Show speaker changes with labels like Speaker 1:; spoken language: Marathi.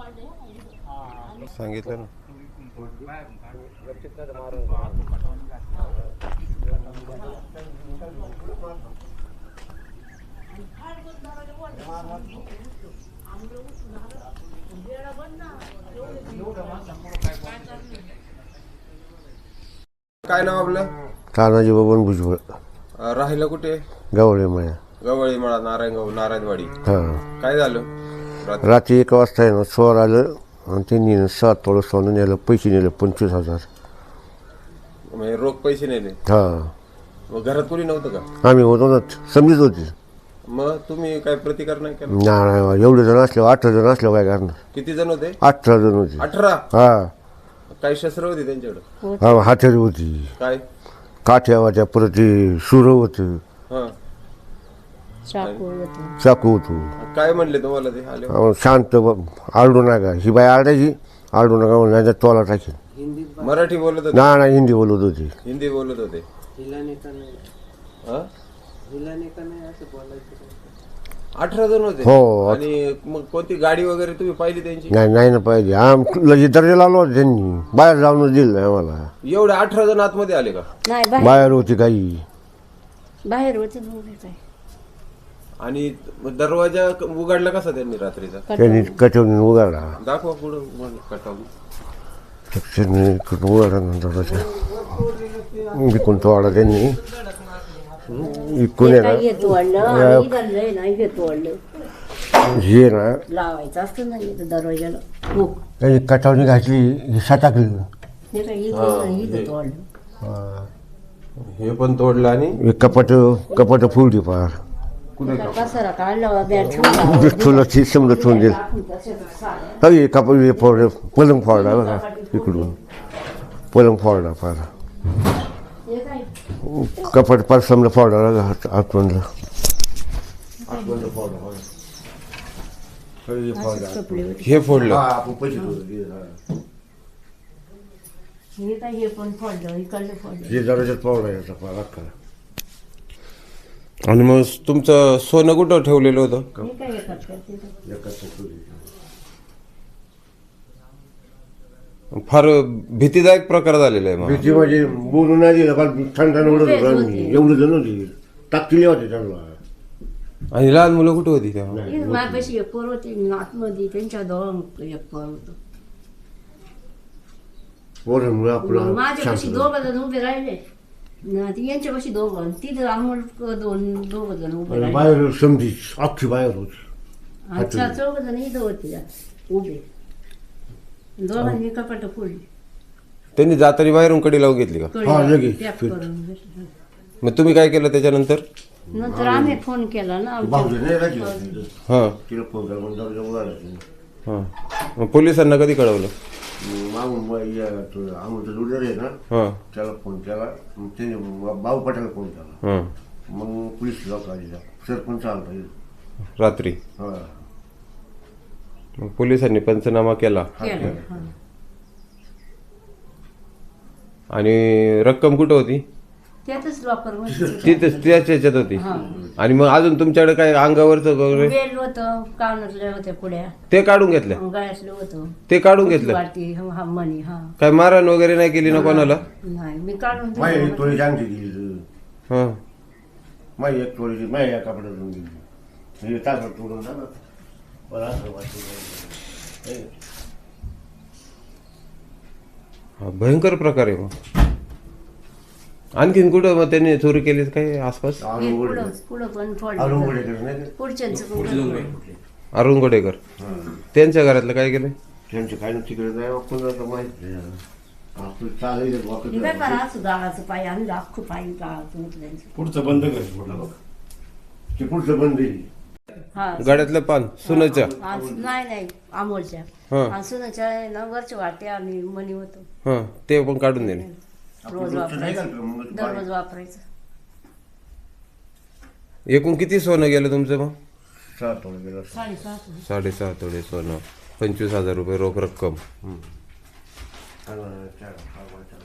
Speaker 1: सांगितलं ना. काय नाव आपलं?
Speaker 2: तानाजी बबन भुजबळ.
Speaker 1: राहिला कुठे?
Speaker 2: गवळे माया.
Speaker 1: गवळी मळा, नारायणवाडी.
Speaker 2: हां,
Speaker 1: काय झालं?
Speaker 2: रात्री 1 वाजता आहे ना चोर आलं आणि त्यांनी 7 तोळं सोनं नेलं, पैसे नेले 25,000.
Speaker 1: म्हणजे रोख पैसे नेले.
Speaker 2: हां,
Speaker 1: मग घरात कोणी नव्हतं का?
Speaker 2: आम्ही होतो ना, समजीत होती.
Speaker 1: मग तुम्ही काय प्रतिकार नाही केला?
Speaker 2: नाही, एवढे जण असल्यावर 18 जण असल्यावर काय करणार?
Speaker 1: किती जण होते?
Speaker 2: 18 जण होते.
Speaker 1: 18.
Speaker 2: हां,
Speaker 1: काही शस्त्र होती त्यांच्याकडे?
Speaker 2: हा, हातेरी होती,
Speaker 1: काय?
Speaker 2: काठ्या होत्या, परत ते सुरं होतं,
Speaker 1: हा.
Speaker 2: चाकू होतो.
Speaker 1: काय म्हणले तुम्हाला ते आले?
Speaker 2: शांत आरडू नका, ही बाई आरडायची, आरडू नका म्हणजे तोला टाकेल.
Speaker 1: मराठी बोलत होते?
Speaker 2: नाही, हिंदी बोलत होती.
Speaker 1: हिंदी बोलत होते. हा? 18 जण होते.
Speaker 2: हो.
Speaker 1: आणि मग कोणती गाडी वगैरे तुम्ही पाहिली त्यांची?
Speaker 2: नाही ना पाहिजे, लगेच दर्जा लावलो होता त्यांनी, बाहेर जाऊन दिलं नाही आम्हाला.
Speaker 1: एवढे 18 जण आतमध्ये आले का?
Speaker 3: नाही,
Speaker 2: बाहेर होती काही.
Speaker 3: बाहेर होते दोघे काय.
Speaker 1: आणि दरवाजा उघडला कसा त्यांनी रात्रीचा?
Speaker 2: त्यांनी कटवून उघडला,
Speaker 1: दाखवा पुढं कटावून.
Speaker 2: उघडला दरवाजा, इकून तोडला त्यांनी, इकून हे ना
Speaker 3: लावायचं असतं नाही दरवाजाला. हो,
Speaker 2: त्यांनी कटावणी घातली, सटाकली.
Speaker 3: हे काय इथं तोडलं.
Speaker 1: हे पण तोडलं आणि
Speaker 2: कपाट फुलली फार.
Speaker 3: पसारा काढला, बॅट ठेवला.
Speaker 2: तुला समजा ठेवून दिलं. हवी कपाट फोडलं, पलंग फोडला बघा इकडून, पलंग फोडला फार.
Speaker 3: हे काय
Speaker 2: कपाट फार समजा फोडला आतमधलं.
Speaker 1: हे फोडलं.
Speaker 3: हे काय, हे पण फोडलं, इकडलं फोडलं.
Speaker 2: हे दरवाजात फोडला याचा फार अख्खा.
Speaker 1: आणि मग तुमचं सोनं कुठं ठेवलेलं होतं?
Speaker 3: हे काय हे करतात?
Speaker 1: फार भीतीदायक प्रकार झालेला आहे.
Speaker 2: भीती म्हणजे बोलून नाही दिलं, फार थंड उडत होतं आम्ही, एवढं जण होती, टाकलेली होते त्यांना.
Speaker 1: आणि लहान मुलं कुठे होती तेव्हा?
Speaker 3: हे माझ्यापाशी एक पोर होते आतमध्ये, त्यांच्या दोघं एक पोर होतं.
Speaker 2: पोरांमुळे आपलं
Speaker 3: माझ्यापाशी 2 जण उभे राहिले, यांच्यापाशी 2, तिथं आम्हाला दोघं जण उभे राहिले.
Speaker 2: बाहेर समजी अख्खी बाहेर होती.
Speaker 3: अच्छा, 4 जण इथं होते उभे, दोघांनी कपाट फोडली.
Speaker 1: त्यांनी जातानी बाहेरून कडी लावून घेतली का?
Speaker 2: हा, लगेच.
Speaker 3: पॅक करून.
Speaker 1: मग तुम्ही काय केलं त्याच्यानंतर?
Speaker 3: नंतर आम्ही फोन केला ना आमच्या.
Speaker 2: भाऊजी नाही राहिली.
Speaker 1: हां
Speaker 2: तिला फोन करा म्हणून दरवाजा उघडायला.
Speaker 1: हां. मग पोलिसांना कधी कळवलं?
Speaker 2: मागून आमचं लुडर आहे ना,
Speaker 1: हां
Speaker 2: त्याला फोन केला, मग त्याने भाऊ पटायला फोन केला,
Speaker 1: हां.
Speaker 2: मग पोलीस लोक आली, सरपंच आला पाहिजे.
Speaker 1: रात्री
Speaker 2: हा,
Speaker 1: मग पोलिसांनी पंचनामा केला.
Speaker 3: केलं, हा.
Speaker 1: आणि रक्कम कुठं होती?
Speaker 3: त्यातच लॉकर
Speaker 1: तिथेच त्याच याच्यात होती. आणि मग अजून तुमच्याकडे काय अंगावरचं वगैरे
Speaker 3: बेल होतं, कानातल्या होत्या पुड्या,
Speaker 1: ते काढून घेतल्या?
Speaker 3: गळ्यातलं होतं,
Speaker 1: ते काढून घेतलं?
Speaker 3: वाटी, हा मणी. हा,
Speaker 1: काय मारहाण वगैरे नाही केली ना कोणाला?
Speaker 3: नाही, मी काढून
Speaker 2: माझी
Speaker 3: दिलं.
Speaker 2: एक तोळी जाणती दिली,
Speaker 1: हां.
Speaker 2: माझी एक तोळीची माझ्या या कपड्यातून दिली, हे तासात तोडून जा ना. बरं, असं वाटतं.
Speaker 1: हा, भयंकर प्रकार आहे. मग आणखीन कुठं मग त्यांनी चोरी केली काय आसपास?
Speaker 3: हे पुढं पण फोडलं.
Speaker 2: अरुंगडेकर नाही का?
Speaker 3: पुढच्यांचं पण फोडलं.
Speaker 1: अरुण गोडेकर, त्यांच्या घरातलं काय केलं?
Speaker 2: त्यांचं काय ना तिकडे जाय कोणाला माहित नाही. आपलं चालायचं
Speaker 3: हे
Speaker 2: वाकत
Speaker 3: काय करा, असं गाळाचं पाय आणलं, अख्खं पाय गाळाचं उचलायचं.
Speaker 2: पुढचं बंद कर, ते पुढचं बंद येईल.
Speaker 3: हा,
Speaker 1: गाड्यातलं पान सुनाच्या?
Speaker 3: नाही अमोलच्या.
Speaker 1: हां
Speaker 3: आणि सुनाच्या ना वरच्या वाट्या आणि मणी होतं,
Speaker 1: हां, ते पण काढून दिले.
Speaker 3: रोज वापरायचं, दररोज वापरायचं.
Speaker 1: एकूण किती सोनं गेलं तुमचं मग?
Speaker 2: 7 तोळे गेला.
Speaker 3: 7.5.
Speaker 1: 6.5 तोळे सोनं, 25,000 रुपये रोख रक्कम.